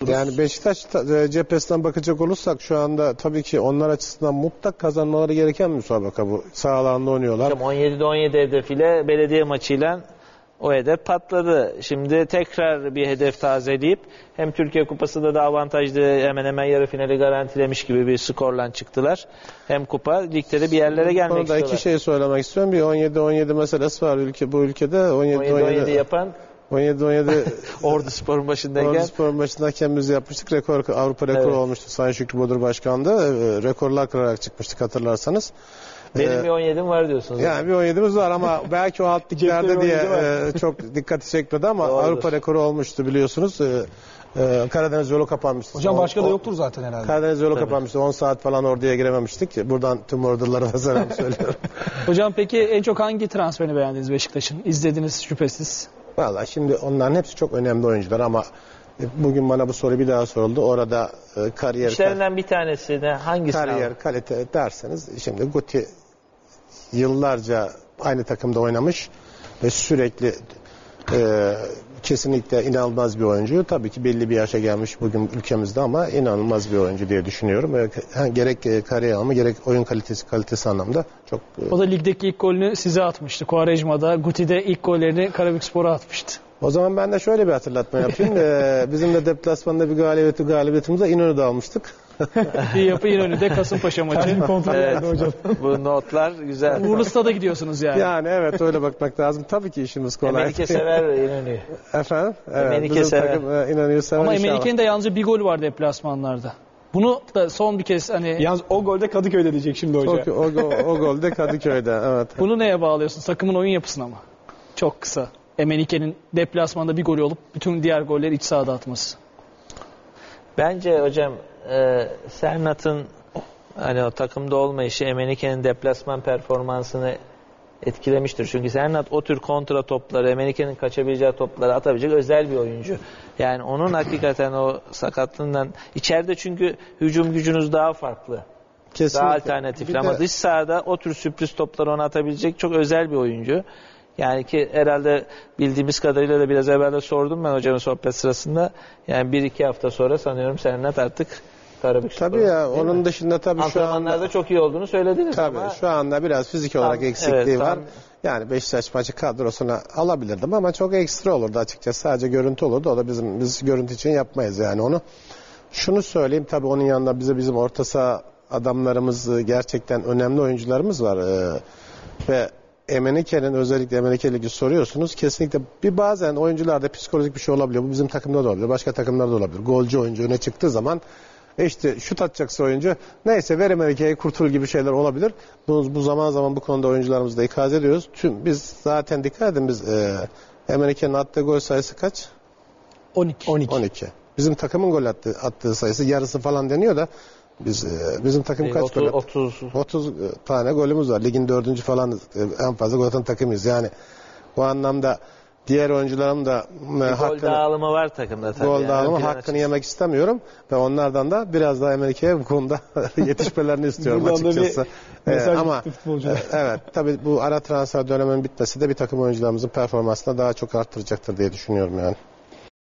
buluştururuz. Yani Beşiktaş cephesinden bakacak olursak şu anda tabii ki onlar açısından mutlak kazanmaları gereken bir müsabaka bu. Sağ alanda oynuyorlar. 17'de 17 hedefiyle belediye maçıyla o hedef patladı. Şimdi tekrar bir hedef tazeleyip hem Türkiye Kupası'nda da avantajlı hemen hemen yarı finali garantilemiş gibi bir skorla çıktılar. Hem kupa ligde de bir yerlere gelmek istiyorlar. İki şey söylemek istiyorum. Bir 17-17 meselesi var bu ülkede. 17-17 yapan 17-17 Orduspor'un başındayken Orduspor'un başındayken biz yapmıştık. Avrupa rekoru olmuştu. Sayın Şükrü Bodur Başkan'da rekorlar kırarak çıkmıştık hatırlarsanız. Benim bir 17'm var diyorsunuz. Yani bir 17'miz var ama belki o alt liglerde diye çok dikkati çekmedi ama Doğrudur. Avrupa rekoru olmuştu biliyorsunuz. Karadeniz yolu kapanmıştı. Hocam başka da yoktur zaten herhalde. Karadeniz yolu kapanmıştı. 10 saat falan orduya girememiştik. Buradan tüm ordulara da selam söylüyorum. Hocam peki en çok hangi transferini beğendiniz Beşiktaş'ın? İzlediniz şüphesiz. Vallahi şimdi onların hepsi çok önemli oyuncular ama bugün bana bu soru bir daha soruldu. Orada kariyer... İşlerinden bir tanesi de hangisi? Kariyer, kalite derseniz şimdi Guti yıllarca aynı takımda oynamış ve sürekli kesinlikle inanılmaz bir oyuncu. Tabii ki belli bir yaşa gelmiş bugün ülkemizde ama inanılmaz bir oyuncu diye düşünüyorum. Gerek kariyer anlamı gerek oyun kalitesi anlamda çok... O da ligdeki ilk golünü size atmıştı. Quaresma'da, Guti'de ilk gollerini Karabükspor'a atmıştı. O zaman ben de şöyle bir hatırlatma yapayım. Bizim de deplasmanda bir galibiyetimizi İnönü'de almıştık. Bir yapı İnönü'de Kasımpaşa maçı. Evet, bu notlar güzel. Uğurlu Stad'a gidiyorsunuz yani. Yani evet öyle bakmak lazım. Tabii ki işimiz kolay. Emenike sever İnönü'yü. Efendim? Evet, Emenike bizim sever. takım İnönü'yü sever Ama inşallah. Emenike'nin de yalnızca bir golü var deplasmanlarda. Bunu da son bir kez hani... Yalnız o golde Kadıköy'de diyecek şimdi hoca. O gol de Kadıköy'de. Evet. Bunu neye bağlıyorsun? Takımın oyun yapısına mı? Çok kısa. Emenike'nin deplasmanda bir golü olup bütün diğer golleri iç sahada atması. Bence hocam Sernat'ın hani o takımda olmayışı Emenike'nin deplasman performansını etkilemiştir. Çünkü Sernat o tür kontra topları, Emenike'nin kaçabileceği topları atabilecek özel bir oyuncu. Yani onun hakikaten o sakatlığından içeride çünkü hücum gücünüz daha farklı. Kesinlikle. Daha alternatifli ama dış sahada o tür sürpriz topları ona atabilecek çok özel bir oyuncu. Yani ki herhalde bildiğimiz kadarıyla da biraz evvel de sordum ben hocamın sohbet sırasında. Yani 1-2 hafta sonra sanıyorum Sernat artık Karabükspor. Tabii ya onun dışında tabii şu antrenmanlarda anda çok iyi olduğunu söylediniz tabii ama şu anda biraz fizik olarak eksikliği var. Yani Beşiktaş maçı kadrosuna alabilirdim ama çok ekstra olurdu açıkçası. Sadece görüntü olurdu. O da biz görüntü için yapmayız yani onu. Şunu söyleyeyim tabii onun yanında bizim orta saha adamlarımız gerçekten önemli oyuncularımız var. Ve Emenike'nin özellikle Emenike Ligi soruyorsunuz. Kesinlikle bazen oyuncularda psikolojik bir şey olabiliyor. Bu bizim takımda da olabilir. Başka takımlarda da olabilir. Golcü oyuncu öne çıktığı zaman işte şut atacaksa oyuncu neyse ver Emenike'ye kurtul gibi şeyler olabilir. Bu zaman zaman bu konuda oyuncularımızı da ikaz ediyoruz. Biz zaten dikkat edin Emenike'nin attığı gol sayısı kaç? 12. Bizim takımın gol attığı sayısı yarısı falan deniyor da bizim takım kaç gol attı? 30 tane golümüz var. Ligin 4. falan en fazla gol atan takımıyız. Yani bu anlamda diğer oyuncuların da gol dağılımı var takımda tabii. Gol dağılımı hakkını yemek istemiyorum ve onlardan da biraz daha Emenike'ye bu konuda yetişmelerini istiyorum açıkçası. Ama evet tabii bu ara transfer döneminin bitmesi de bir takım oyuncularımızın performansını daha çok arttıracaktır diye düşünüyorum yani.